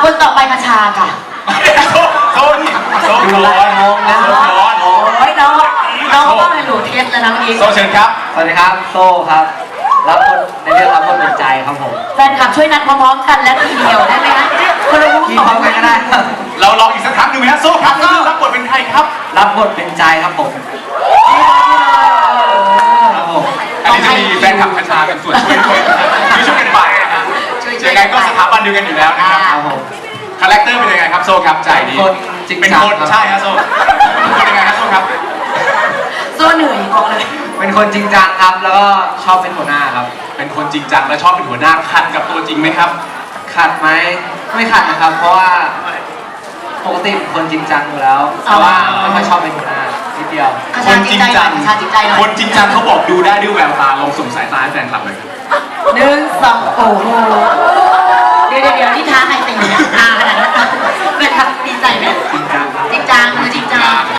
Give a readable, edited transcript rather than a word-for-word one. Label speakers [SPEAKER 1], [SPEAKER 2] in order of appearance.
[SPEAKER 1] คนต่อไปมาชาค่ะ
[SPEAKER 2] โซ่ร้อนโ
[SPEAKER 1] อ้ยน้องก็ต้องให้หนูเทสแล้วนะเมื่อกี้
[SPEAKER 2] โซ่เชิญครับ
[SPEAKER 3] สวัสดีครับโซ่ครับรับบทในเรื่องรับบทเป็นใจครับผม
[SPEAKER 1] แฟนคลับช่วยนัดพร้อมๆกันและทีเดียวได้ไหมคะคนละมุก
[SPEAKER 3] กิน
[SPEAKER 1] สอง
[SPEAKER 3] พร้อมกันก็ได้ครับ
[SPEAKER 2] เราลองอีกสักครั้งหนึ่งไหมฮะโซ่ครับก็รับบทเป็นใครครับ
[SPEAKER 3] รับบทเป็นใจครับผมครับผม
[SPEAKER 2] อันนี้จะมีแฟนคลับคชากันส่วนช่วยด้วยช่วยกันไปนะฮะยังไงก็สถาบันเดียวกันอยู่แล้วนะครับ
[SPEAKER 3] ครับผม
[SPEAKER 2] คาแรคเตอร์เป็นยังไงครับโซ่ครับใจดี
[SPEAKER 3] คนจริง
[SPEAKER 2] เป็น
[SPEAKER 3] จัง
[SPEAKER 2] คน
[SPEAKER 3] ครับ
[SPEAKER 2] ใช่ฮะโซ่เป็นยังไงฮะโซ่ครับ
[SPEAKER 1] โซ่เหนื่อยบอกเลย
[SPEAKER 3] เป็นคนจริงจังครับแล้วก็ชอบเป็นหัวหน้าครับ
[SPEAKER 2] เป็นคนจริงจังและชอบเป็นหัวหน้าขัดกับตัวจริงไหมครับ
[SPEAKER 3] ขัดไหมไม่ขัดนะครับ เพราะว่าปกติเป็นคนจริงจังอยู่แล้วแต่ว่าไม่ค่อยชอบเป็นหัวหน้านิดเดียว
[SPEAKER 2] คนจริงจัง
[SPEAKER 1] ชาจิตใจหน่อย
[SPEAKER 2] คนจริงจังเขาบอกดูได้ด้วยแววตาลองส่งสายตาให้แฟนคลับเลยครับ
[SPEAKER 1] หนึ่งสองโอ้โห